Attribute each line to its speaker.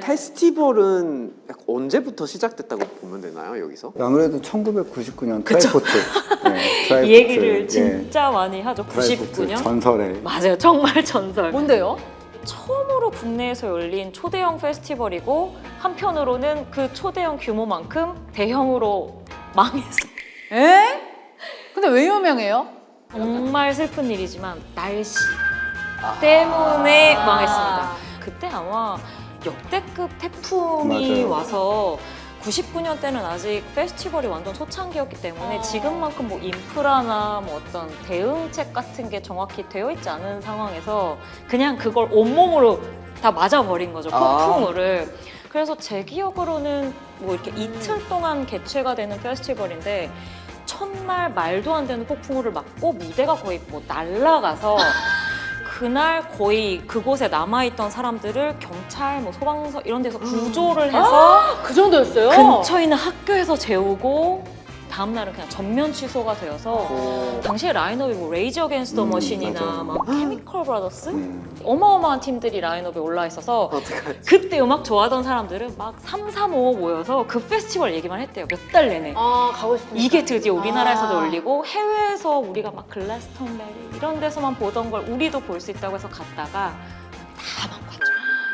Speaker 1: 페스티벌은 약간 언제부터 시작됐다고 보면 되나요, 여기서?
Speaker 2: 아무래도 1999년 트라이포트. 네, 트라이포트.
Speaker 3: 이 얘기를
Speaker 2: 예,
Speaker 3: 진짜 많이 하죠.
Speaker 2: 트라이포트
Speaker 3: 99년?
Speaker 2: 전설의.
Speaker 3: 맞아요. 정말 전설.
Speaker 4: 뭔데요?
Speaker 3: 처음으로 국내에서 열린 초대형 페스티벌이고 한편으로는 그 초대형 규모만큼 대형으로 망했어요.
Speaker 4: 에? 근데 왜 유명해요?
Speaker 3: 정말 슬픈 일이지만 날씨 때문에 망했습니다. 그때 아마 역대급 태풍이
Speaker 2: 맞아요.
Speaker 3: 와서 99년 때는 아직 페스티벌이 완전 초창기였기 때문에 지금만큼 뭐 인프라나 뭐 어떤 대응책 같은 게 정확히 되어 있지 않은 상황에서 그냥 그걸 온몸으로 다 맞아버린 거죠, 폭풍우를. 그래서 제 기억으로는 뭐 이렇게 이틀 동안 개최가 되는 페스티벌인데 첫날 말도 안 되는 폭풍우를 맞고 무대가 거의 뭐 날아가서 그날 거의 그곳에 남아있던 사람들을 경찰, 뭐 소방서 이런 데서 구조를 해서
Speaker 4: 그 정도였어요?
Speaker 3: 근처에 있는 학교에서 재우고 다음날은 그냥 전면 취소가 되어서 당시에 라인업이 뭐 레이지 어게인스트 더 머신이나
Speaker 2: 맞아.
Speaker 3: 막 케미컬 브라더스 어마어마한 팀들이 라인업에 올라 있어서
Speaker 1: 어떡하지?
Speaker 3: 그때 음악 좋아하던 사람들은 막 3, 3, 5 모여서 그 페스티벌 얘기만 했대요. 몇 달 내내.
Speaker 4: 아, 가고 싶으니까.
Speaker 3: 이게 드디어 우리나라에서도 열리고 해외에서 우리가 막 글라스톤베리 이런 데서만 보던 걸 우리도 볼 수 있다고 해서 갔다가 다